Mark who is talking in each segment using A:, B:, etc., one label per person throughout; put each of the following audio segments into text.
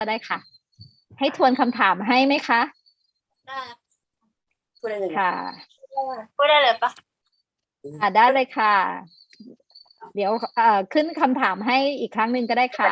A: ก็ได้ค่ะ ให้ทวนคำถามให้ไหมคะ
B: ได้พูดได้เลย
A: ค่ะ
B: พูดได้เลยปะ
A: ได้เลยค่ะ เดี๋ยวขึ้นคำถามให้อีกครั้งหนึ่งก็ได้ค่ะ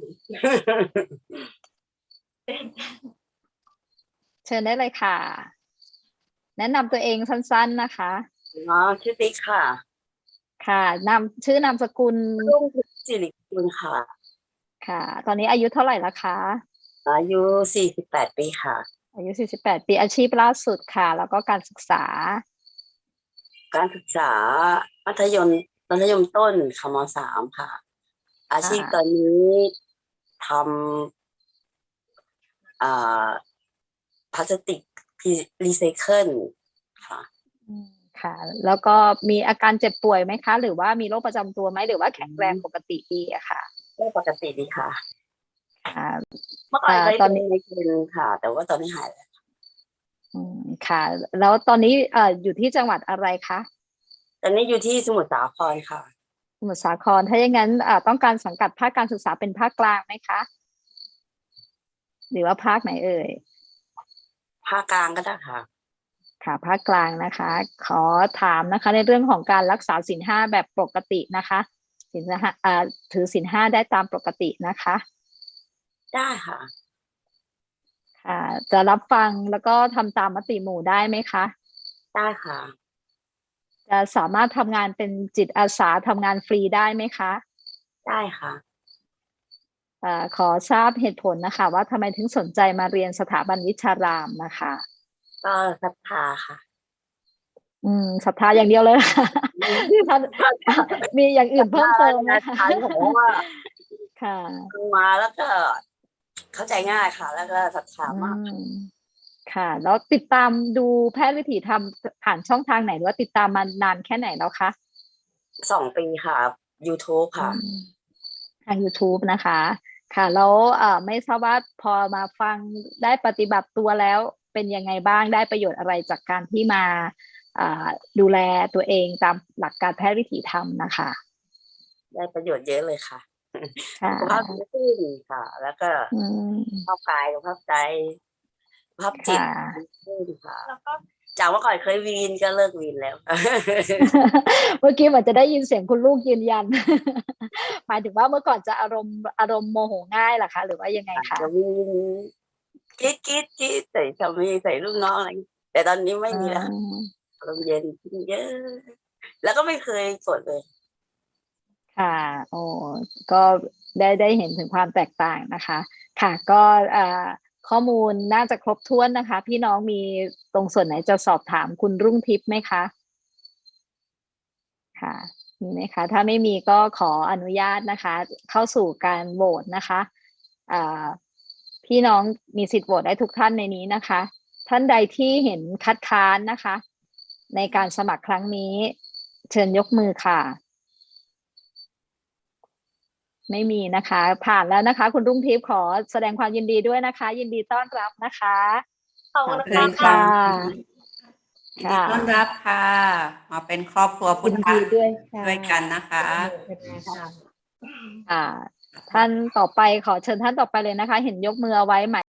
A: เชิญได้เลยค่ะ แนะนำตัวเองสั้นๆนะคะ
B: อ๋อชื่อติ๊กค่ะ
A: ค่ะชื่อนามสกุล
B: รุ่งทิพย์สิริกุลค่ะ
A: ค่ะ ตอนนี้อายุเท่าไหร่ละคะ
B: อายุ48 ปีค่ะ
A: อายุ48 ปีอาชีพล่าสุดค่ะ แล้วก็การศึกษา
B: การศึกษามัธยมต้นคม.3 ค่ะ อาชีพตอนนี้ทำพลาสติกรีไซเคิลค่ะ
A: ค่ะ แล้วก็มีอาการเจ็บป่วยไหมคะ หรือว่ามีโรคประจำตัวไหมหรือว่าแข็งแรงปกติดีอะค่ะ
B: ก็ปกติดีค่ะ
A: ค่ะ
B: เมื่อก่อนเคย
A: ตอ
B: เป็น น
A: นี้
B: ในกลุ่มค่ะ แต่ว่าตอนนี้หายแล้ว
A: ค่ะ แล้วตอนนี้อยู่ที่จังหวัดอะไรคะ
B: ตอนนี้อยู่ที่สมุทรสาครค่ะ
A: สมุทรสาคร ถ้าอย่างนั้นต้องการสังกัดภาคการศึกษาเป็นภาคกลางไหมคะ หรือว่าภาคไหนเอ่ย
B: ภาคกลางก็ได้ค่ะ
A: ค่ะ ภาคกลางนะคะ ขอถามนะคะในเรื่องของการรักษาศีล 5แบบปกตินะคะศีล 5ถือศีล 5ได้ตามปกตินะคะ
B: ได้ค่ะ
A: ค่ะ จะรับฟังแล้วก็ทำตามมติหมู่ได้ไหมคะ
B: ได้ค่ะ
A: จะสามารถทำงานเป็นจิตอาสาทำงานฟรีได้ไหมคะ
B: ได้ค่ะ
A: ขอทราบเหตุผลนะคะ ว่าทำไมถึงสนใจมาเรียนสถาบันวิชารามนะคะ
B: ก็ศรัทธาค่ะ
A: ศรัทธาอย่างเดียวเลย มีอย่างอื่นเพิ่มเติมไหมคะ
B: ผมว่า
A: ค่ะ
B: ฟังมาแล้วก็เข้าใจง่ายค่ะ แล้วก็ศรัทธามาก
A: ค่ะ แล้วติดตามดูแพทย์วิถีธรรมผ่านช่องทางไหนหรือว่าติดตามมานานแค่ไหนแล้วคะ
B: 2 ปีค่ะ YouTube ค่ะ
A: ทาง YouTube นะคะ ค่ะ แล้วไม่ทราบว่าพอมาฟังได้ปฏิบัติตัวแล้วเป็นยังไงบ้าง ได้ประโยชน์อะไรจากการที่มาดูแลตัวเองตามหลักการแพทย์วิถีธรรมนะคะ
B: ได้ประโยชน์เยอะเลยค่ะ
A: ค่ะ
B: สุขภาพดีขึ้นค่ะ แล้วก็สุขภาพกายสุขภาพใจสุขภาพจิตดีขึ้นค่ะ แล้วก็จากเมื่อก่อนเคยวีนก็เลิกวีนแล้ว
A: เมื่อกี้เหมือนจะได้ยินเสียงคุณลูกยืนยัน หมายถึงว่าเมื่อก่อนจะอารมณ์โมโหง่ายเหรอคะ หรือว่ายังไงคะ
B: จะวีนกรี๊ดใส่สามีใส่ลูกน้องอะไรแต่ตอนนี้ไม่มีแล้วอารมณ์เย็นขึ้นเยอะ แล้วก็ไม่เคยโกรธเลย
A: ค่ะโอ้ก็ได้เห็นถึงความแตกต่างนะคะ ค่ะ ก็ข้อมูลน่าจะครบถ้วนนะคะ พี่น้องมีตรงส่วนไหนจะสอบถามคุณรุ่งทิพย์ไหมคะ ค่ะ มีไหมคะ ถ้าไม่มีก็ขออนุญาตนะคะ เข้าสู่การโหวตนะคะพี่น้องมีสิทธิ์โหวตได้ทุกท่านในนี้นะคะ ท่านใดที่เห็นคัดค้านนะคะ ในการสมัครครั้งนี้เชิญยกมือค่ะ ไม่มีนะคะ ผ่านแล้วนะคะ คุณรุ่งทิพย์ขอแสดงความยินดีด้วยนะคะ ยินดีต้อนรับนะคะ
B: ขอบคุณ
A: ค่ะ
C: ยินดีต้อนรับค่ะ มาเป็นครอบครัวพุทธะด้วยกันนะคะ
A: ท่านต่อไปขอเชิญท่านต่อไปเลยนะคะ เห็นยกมือเอาไว้หมาย